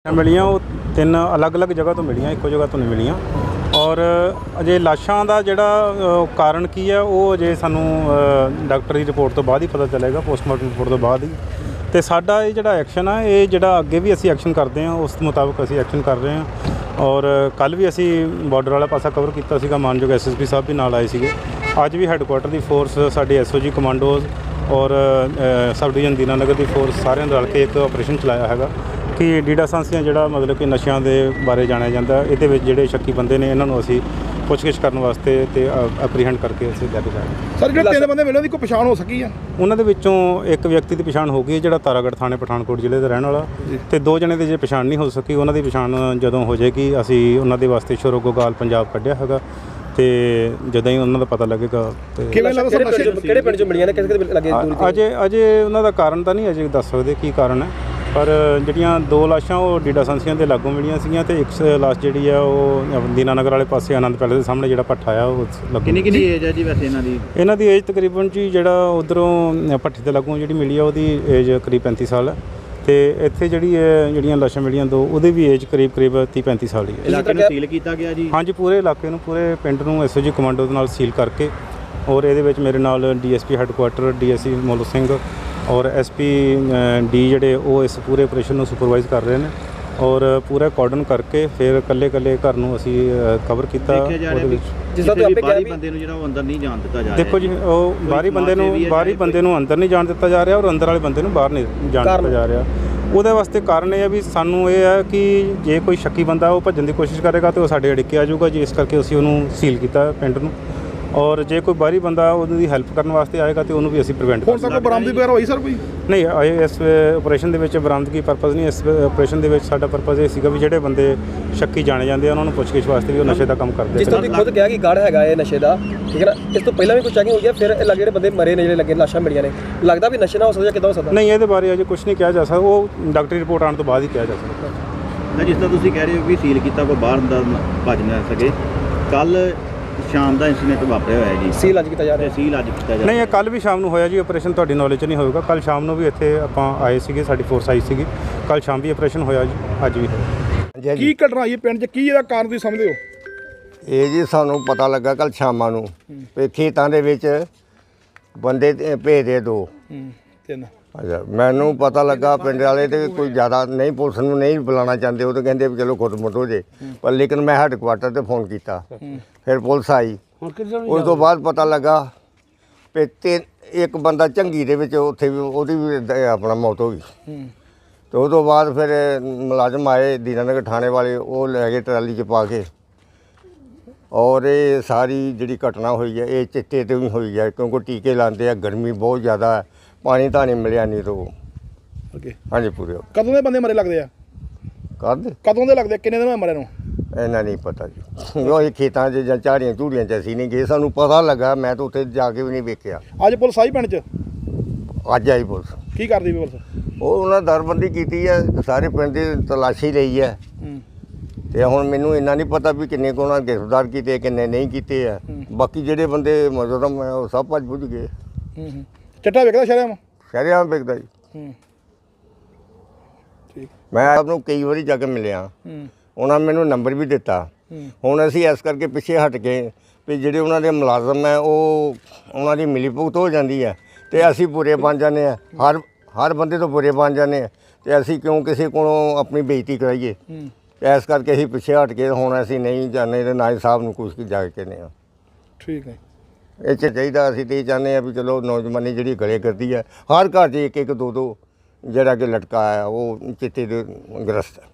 ਮਿਲੀਆਂ ਉਹ ਤਿੰਨ ਅਲੱਗ-ਅਲੱਗ ਜਗ੍ਹਾ ਤੋਂ ਮਿਲੀਆਂ, ਇੱਕੋ ਜਗ੍ਹਾ ਤੋਂ ਨਹੀਂ ਮਿਲੀਆਂ। ਔਰ ਅਜੇ ਲਾਸ਼ਾਂ ਦਾ ਜਿਹੜਾ ਕਾਰਨ ਕੀ ਹੈ ਉਹ ਅਜੇ ਸਾਨੂੰ ਡਾਕਟਰ ਦੀ ਰਿਪੋਰਟ ਤੋਂ ਬਾਅਦ ਹੀ ਪਤਾ ਚੱਲੇਗਾ, ਪੋਸਟਮਾਰਟਮ ਰਿਪੋਰਟ ਤੋਂ ਬਾਅਦ ਹੀ। ਅਤੇ ਸਾਡਾ ਇਹ ਜਿਹੜਾ ਐਕਸ਼ਨ ਆ ਇਹ ਜਿਹੜਾ ਅੱਗੇ ਵੀ ਅਸੀਂ ਐਕਸ਼ਨ ਕਰਦੇ ਹਾਂ ਉਸ ਮੁਤਾਬਕ ਅਸੀਂ ਐਕਸ਼ਨ ਕਰ ਰਹੇ ਹਾਂ। ਔਰ ਕੱਲ੍ਹ ਵੀ ਅਸੀਂ ਬਾਰਡਰ ਵਾਲਾ ਪਾਸਾ ਕਵਰ ਕੀਤਾ ਸੀਗਾ, ਮਾਨਯੋਗ SSP ਸਾਹਿਬ ਵੀ ਨਾਲ ਆਏ ਸੀਗੇ। ਅੱਜ ਵੀ ਹੈੱਡਕੁਆਟਰ ਦੀ ਫੋਰਸ, ਸਾਡੀ SOG ਕਮਾਂਡੋਜ਼ ਔਰ ਸਬ ਡਿਵੀਜ਼ਨ ਦੀਨਾਨਗਰ ਦੀ ਫੋਰਸ ਸਾਰਿਆਂ ਨੇ ਰਲ ਕੇ ਇੱਕ ਆਪਰੇਸ਼ਨ ਚਲਾਇਆ ਹੈਗਾ ਕਿ ਡੀਡਾ ਸਾਂਸੀਆਂ ਜਿਹੜਾ ਮਤਲਬ ਕਿ ਨਸ਼ਿਆਂ ਦੇ ਬਾਰੇ ਜਾਣਿਆ ਜਾਂਦਾ। ਇਹਦੇ ਵਿੱਚ ਜਿਹੜੇ ਸ਼ੱਕੀ ਬੰਦੇ ਨੇ ਇਹਨਾਂ ਨੂੰ ਅਸੀਂ ਪੁੱਛਗਿੱਛ ਕਰਨ ਵਾਸਤੇ ਅਤੇ ਐਪਰੀਹੈਂਡ ਕਰਕੇ ਅਸੀਂ ਲੈ ਕੇ ਜਾਵਾਂਗੇ। ਸਰ ਜਿਹੜੇ ਤਿੰਨ ਬੰਦੇ ਮਿਲੇ ਉਹਦੀ ਕੋਈ ਪਛਾਣ ਹੋ ਸਕੀ ਆ? ਉਹਨਾਂ ਦੇ ਵਿੱਚੋਂ ਇੱਕ ਵਿਅਕਤੀ ਦੀ ਪਛਾਣ ਹੋ ਗਈ ਜਿਹੜਾ ਤਾਰਾਗੜ੍ਹ ਥਾਣੇ ਪਠਾਨਕੋਟ ਜ਼ਿਲ੍ਹੇ ਦਾ ਰਹਿਣ ਵਾਲਾ, ਅਤੇ ਦੋ ਜਣੇ ਦੀ ਜੇ ਪਛਾਣ ਨਹੀਂ ਹੋ ਸਕੀ ਉਹਨਾਂ ਦੀ ਪਛਾਣ ਜਦੋਂ ਹੋ ਜਾਏਗੀ ਅਸੀਂ ਉਹਨਾਂ ਦੇ ਵਾਸਤੇ ਸ਼ੋਰੋਗੋਗਾਲ ਪੰਜਾਬ ਕੱਢਿਆ ਹੈਗਾ ਅਤੇ ਜਦੋਂ ਹੀ ਉਹਨਾਂ ਦਾ ਪਤਾ ਲੱਗੇਗਾ। ਅਤੇ ਕਿਹੜੇ ਪਿੰਡ 'ਚ ਮਿਲੀਆਂ ਨੇ, ਕਿਸੇ ਲੱਗੇ? ਅਜੇ ਉਹਨਾਂ ਦਾ ਕਾਰਨ ਤਾਂ ਨਹੀਂ ਅਜੇ ਦੱਸ ਸਕਦੇ ਕੀ ਕਾਰਨ ਹੈ, ਪਰ ਜਿਹੜੀਆਂ ਦੋ ਲਾਸ਼ਾਂ ਉਹ ਡੀਡਾ ਸਾਂਸੀਆਂ ਦੇ ਲਾਗੋਂ ਮਿਲੀਆਂ ਸੀਗੀਆਂ ਅਤੇ ਇੱਕ ਲਾਸ਼ ਜਿਹੜੀ ਆ ਉਹ ਦੀਨਾਨਗਰ ਵਾਲੇ ਪਾਸੇ ਆਨੰਦ ਪੈਲੇਸ ਦੇ ਸਾਹਮਣੇ ਜਿਹੜਾ ਭੱਠਾ ਆ ਉਹ ਲੱਗੋ। ਕਿੰਨੀ ਏਜ ਹੈ ਜੀ ਵੈਸੇ ਇਹਨਾਂ ਦੀ ਏਜ ਤਕਰੀਬਨ ਜੀ ਜਿਹੜਾ ਉੱਧਰੋਂ ਭੱਠੇ ਦੇ ਲਾਗੋਂ ਜਿਹੜੀ ਮਿਲੀ ਆ ਉਹਦੀ ਏਜ ਕਰੀਬ 35 ਸਾਲ ਹੈ ਅਤੇ ਇੱਥੇ ਜਿਹੜੀਆਂ ਲਾਸ਼ਾਂ ਮਿਲੀਆਂ ਦੋ ਉਹਦੀ ਵੀ ਏਜ ਕਰੀਬ 30-35 ਸਾਲ ਹੀ ਹੈ। ਇਲਾਕੇ ਨੂੰ ਸੀਲ ਕੀਤਾ ਗਿਆ ਜੀ? ਹਾਂਜੀ, ਪੂਰੇ ਇਲਾਕੇ ਨੂੰ, ਪੂਰੇ ਪਿੰਡ ਨੂੰ SOG ਕਮਾਂਡੋ ਦੇ ਨਾਲ ਸੀਲ ਕਰਕੇ। ਔਰ ਇਹਦੇ ਵਿੱਚ ਮੇਰੇ ਨਾਲ DSP headquarter DSC Molu Singh ਔਰ SP D ਜਿਹੜੇ ਉਹ ਇਸ ਪੂਰੇ ਆਪਰੇਸ਼ਨ ਨੂੰ ਸੁਪਰਵਾਈਜ਼ ਕਰ ਰਹੇ ਨੇ। ਔਰ ਪੂਰਾ ਕਾਰਡਨ ਕਰਕੇ ਫਿਰ ਇਕੱਲੇ ਘਰ ਨੂੰ ਅਸੀਂ ਕਵਰ ਕੀਤਾ। ਉਹਦੇ ਵਿੱਚ ਜਿਸ ਤਰ੍ਹਾਂ ਬਾਹਰੀ ਬੰਦੇ ਨੂੰ ਜਿਹੜਾ ਉਹ ਅੰਦਰ ਨਹੀਂ ਜਾਣ ਦਿੱਤਾ ਜਾ ਰਿਹਾ। ਦੇਖੋ ਜੀ, ਉਹ ਬਾਹਰੀ ਬੰਦੇ ਨੂੰ ਅੰਦਰ ਨਹੀਂ ਜਾਣ ਦਿੱਤਾ ਜਾ ਰਿਹਾ ਔਰ ਅੰਦਰ ਵਾਲੇ ਬੰਦੇ ਨੂੰ ਬਾਹਰ ਨਹੀਂ ਜਾਣ ਦਿੱਤਾ ਜਾ ਰਿਹਾ। ਉਹਦੇ ਵਾਸਤੇ ਕਾਰਨ ਇਹ ਹੈ ਵੀ ਸਾਨੂੰ ਇਹ ਹੈ ਕਿ ਜੇ ਕੋਈ ਸ਼ੱਕੀ ਬੰਦਾ ਉਹ ਭੱਜਣ ਦੀ ਕੋਸ਼ਿਸ਼ ਕਰੇਗਾ ਤਾਂ ਉਹ ਸਾਡੇ ਅੜਿੱਕੇ ਆ ਜਾਊਗਾ ਜੀ, ਇਸ ਕਰਕੇ ਅਸੀਂ ਉਹਨੂੰ ਸੀਲ ਕੀਤਾ ਪਿੰਡ ਨੂੰ। ਔਰ ਜੇ ਕੋਈ ਬਾਹਰੀ ਬੰਦਾ ਉਹਦੀ ਹੈਲਪ ਕਰਨ ਵਾਸਤੇ ਆਏਗਾ ਤਾਂ ਉਹਨੂੰ ਵੀ ਅਸੀਂ ਪ੍ਰੀਵੈਂਟ ਹੁਣ ਤੱਕ ਬਰਾਮਦਗੀ ਵਗੈਰਾ ਹੋਈ ਸਰ ਕੋਈ? ਨਹੀਂ, ਇਸ ਆਪਰੇਸ਼ਨ ਦੇ ਵਿੱਚ ਬਰਾਮਦਗੀ ਪਰਪਸ ਨਹੀਂ। ਇਸ ਆਪਰੇਸ਼ਨ ਦੇ ਵਿੱਚ ਸਾਡਾ ਪਰਪਸ ਇਹ ਸੀਗਾ ਵੀ ਜਿਹੜੇ ਬੰਦੇ ਸ਼ੱਕੀ ਜਾਣੇ ਜਾਂਦੇ ਆ ਉਹਨਾਂ ਨੂੰ ਪੁੱਛਗਿੱਛ ਵਾਸਤੇ ਵੀ ਉਹ ਨਸ਼ੇ ਦਾ ਕੰਮ ਕਰਦੇ। ਜਿਸ ਤਰ੍ਹਾਂ ਤੁਸੀਂ ਖੁਦ ਕਿਹਾ ਕਿ ਗੜ ਹੈਗਾ ਇਹ ਨਸ਼ੇ ਦਾ, ਠੀਕ ਹੈ ਨਾ, ਇਸ ਤੋਂ ਪਹਿਲਾਂ ਵੀ ਕੋਈ ਚੈਕਿੰਗ ਹੋਈ ਹੈ? ਫਿਰ ਇਹ ਜਿਹੜੇ ਬੰਦੇ ਮਰੇ ਨੇ, ਜਿਹੜੇ ਲੱਗੇ ਲਾਸ਼ਾਂ ਮਿਲੀਆਂ ਨੇ, ਲੱਗਦਾ ਵੀ ਨਸ਼ੇ ਨਾ ਹੋ ਸਕਦਾ ਜਾਂ ਕਿੱਦਾਂ ਹੋ ਸਕਦਾ? ਨਹੀਂ, ਇਹਦੇ ਬਾਰੇ ਅਜੇ ਕੁਝ ਨਹੀਂ ਕਿਹਾ ਜਾ ਸਕਦਾ, ਉਹ ਡਾਕਟਰੀ ਰਿਪੋਰਟ ਆਉਣ ਤੋਂ ਬਾਅਦ ਹੀ ਕਿਹਾ ਜਾ ਸਕਦਾ। ਜਿਸ ਤਰ੍ਹਾਂ ਤੁਸੀਂ ਕਹਿ ਰਹੇ ਹੋ ਵੀ ਸੀਲ ਕੀਤਾ, ਕੋਈ ਬਾਹਰ ਦਾ ਭੱਜ ਨਾ ਸਕੇ। ਕੱਲ੍ਹ ਸ਼ਾਮ ਦਾ ਇਨਸੀਡੈਂਟ ਵਾਪਰਿਆ ਹੋਇਆ ਜੀ, ਸੀਲ ਅੱਜ ਕੀਤਾ ਜਾ ਰਿਹਾ? ਨਹੀਂ, ਇਹ ਕੱਲ੍ਹ ਵੀ ਸ਼ਾਮ ਨੂੰ ਹੋਇਆ ਜੀ ਆਪਰੇਸ਼ਨ, ਤੁਹਾਡੀ ਨੌਲੇਜ 'ਚ ਨਹੀਂ ਹੋਵੇਗਾ। ਕੱਲ੍ਹ ਸ਼ਾਮ ਨੂੰ ਵੀ ਇੱਥੇ ਆਪਾਂ ਆਏ ਸੀਗੇ, ਸਾਡੀ ਫੋਰਸ ਆਈ ਸੀਗੀ। ਕੱਲ੍ਹ ਸ਼ਾਮ ਵੀ ਆਪਰੇਸ਼ਨ ਹੋਇਆ ਜੀ, ਅੱਜ ਵੀ ਹੋਇਆ। ਕੀ ਘਟਨਾ ਆਈ ਪਿੰਡ 'ਚ, ਕੀ ਇਹਦਾ ਕਾਰਨ ਤੁਸੀਂ ਸਮਝਦੇ ਹੋ? ਇਹ ਜੀ ਸਾਨੂੰ ਪਤਾ ਲੱਗਾ ਕੱਲ੍ਹ ਸ਼ਾਮਾਂ ਨੂੰ ਵੀ ਖੇਤਾਂ ਦੇ ਵਿੱਚ ਬੰਦੇ ਭੇਜਦੇ ਦੋ ਤਿੰਨ। ਅੱਛਾ, ਮੈਨੂੰ ਪਤਾ ਲੱਗਾ ਪਿੰਡ ਵਾਲੇ ਤੇ ਕੋਈ ਜ਼ਿਆਦਾ ਨਹੀਂ, ਪੁਲਿਸ ਨੂੰ ਨਹੀਂ ਬੁਲਾਉਣਾ ਚਾਹੁੰਦੇ, ਉਹ ਤਾਂ ਕਹਿੰਦੇ ਵੀ ਚਲੋ ਖੁਦ-ਮੁੱਠ ਹੋ ਜੇ। ਪਰ ਲੇਕਿਨ ਮੈਂ ਹੈੱਡਕੁਆਟਰ 'ਤੇ ਫੋਨ ਕੀਤਾ, ਫਿਰ ਪੁਲਿਸ ਆਈ। ਉਸ ਤੋਂ ਬਾਅਦ ਪਤਾ ਲੱਗਾ ਵੀ ਇੱਕ ਬੰਦਾ ਝੰਗੀ ਦੇ ਵਿੱਚ ਉੱਥੇ ਵੀ ਉਹਦੀ ਵੀ ਆਪਣਾ ਮੌਤ ਹੋ ਗਈ। ਅਤੇ ਉਹ ਤੋਂ ਬਾਅਦ ਫਿਰ ਮੁਲਾਜ਼ਮ ਆਏ ਦੀਨਾਨਗਰ ਥਾਣੇ ਵਾਲੇ, ਉਹ ਲੈ ਗਏ ਟਰਾਲੀ 'ਚ ਪਾ ਕੇ। ਔਰ ਇਹ ਸਾਰੀ ਜਿਹੜੀ ਘਟਨਾ ਹੋਈ ਹੈ ਇਹ ਚਿੱਟੇ 'ਤੇ ਵੀ ਹੋਈ ਹੈ, ਕਿਉਂਕਿ ਟੀਕੇ ਲਾਉਂਦੇ ਆ, ਗਰਮੀ ਬਹੁਤ ਜ਼ਿਆਦਾ ਹੈ, ਪਾਣੀ ਤਾਂ ਨਹੀਂ ਮਿਲਿਆ ਨਹੀਂ ਤੋਂ। ਹਾਂਜੀ, ਪੂਰੇ। ਕਦੋਂ ਦੇ ਬੰਦੇ ਮਰੇ ਲੱਗਦੇ ਆ? ਕਦੋਂ ਦੇ ਲੱਗਦੇ? ਕਿੰਨੇ ਦਿਨ ਮਰੇ ਨੂੰ? ਇਹਨਾਂ ਨਹੀਂ ਪਤਾ ਜੀ, ਉਹ ਖੇਤਾਂ 'ਚ ਜਾਂ ਝਾੜੀਆਂ ਝੂੜੀਆਂ 'ਚ ਅਸੀਂ ਨਹੀਂ ਗਏ, ਸਾਨੂੰ ਪਤਾ ਲੱਗਾ, ਮੈਂ ਤਾਂ ਉੱਥੇ ਜਾ ਕੇ ਵੀ ਨਹੀਂ ਵੇਖਿਆ। ਅੱਜ ਪੁਲਿਸ ਆਈ ਪਿੰਡ 'ਚ? ਅੱਜ ਆਈ ਪੁਲਿਸ। ਕੀ ਕਰਦੀ ਵੀ ਪੁਲਿਸ? ਉਹ ਉਹਨਾਂ ਦਰਬੰਦੀ ਕੀਤੀ ਹੈ, ਸਾਰੇ ਪਿੰਡ ਦੀ ਤਲਾਸ਼ੀ ਲਈ ਹੈ। ਅਤੇ ਹੁਣ ਮੈਨੂੰ ਇੰਨਾ ਨਹੀਂ ਪਤਾ ਵੀ ਕਿੰਨੇ ਕੁ ਉਹਨਾਂ ਗ੍ਰਿਫਤਾਰ ਕੀਤੇ, ਕਿੰਨੇ ਨਹੀਂ ਕੀਤੇ ਆ। ਬਾਕੀ ਜਿਹੜੇ ਬੰਦੇ ਮੁਜਰਮ ਹੈ ਉਹ ਸਭ ਭੱਜ ਭੁੱਜ ਗਏ। ਚਿੱਟਾ ਵਿਕਦਾ ਸ਼ਰੇਆਮ ਵਿਕਦਾ ਜੀ। ਮੈਂ ਆਪ ਨੂੰ ਕਈ ਵਾਰੀ ਜਾ ਕੇ ਮਿਲਿਆ, ਉਹਨਾਂ ਮੈਨੂੰ ਨੰਬਰ ਵੀ ਦਿੱਤਾ। ਹੁਣ ਅਸੀਂ ਇਸ ਕਰਕੇ ਪਿੱਛੇ ਹਟ ਕੇ ਵੀ ਜਿਹੜੇ ਉਹਨਾਂ ਦੇ ਮੁਲਾਜ਼ਮ ਹੈ ਉਹ ਉਹਨਾਂ ਦੀ ਮਿਲੀ ਭੁਗਤ ਹੋ ਜਾਂਦੀ ਹੈ ਅਤੇ ਅਸੀਂ ਬੁਰੇ ਬਣ ਜਾਂਦੇ ਹਾਂ, ਹਰ ਬੰਦੇ ਤੋਂ ਬੁਰੇ ਬਣ ਜਾਂਦੇ ਹਾਂ, ਅਤੇ ਅਸੀਂ ਕਿਉਂ ਕਿਸੇ ਕੋਲੋਂ ਆਪਣੀ ਬੇਇੱਜ਼ਤੀ ਕਰਾਈਏ। ਇਸ ਕਰਕੇ ਅਸੀਂ ਪਿੱਛੇ ਹਟ ਕੇ ਹੁਣ ਅਸੀਂ ਨਹੀਂ ਜਾਂਦੇ ਅਤੇ ਨਾ ਹੀ ਸਾਹਿਬ ਨੂੰ ਕੁਛ ਜਾ ਕੇ ਕਹਿੰਦੇ ਹਾਂ। ਠੀਕ ਹੈ, ਇਹ 'ਚ ਚਾਹੀਦਾ। ਅਸੀਂ ਤਾਂ ਇਹ ਚਾਹੁੰਦੇ ਹਾਂ ਵੀ ਚਲੋ ਨੌਜਵਾਨੀ ਜਿਹੜੀ ਗਲੇ ਕਰਦੀ ਹੈ, ਹਰ ਘਰ 'ਚ ਇੱਕ ਦੋ ਜਿਹੜਾ ਕਿ ਲਟਕਾ ਹੈ ਉਹ ਚਿੱਟੇ ਦੇ ਗ੍ਰਸਤ ਹੈ।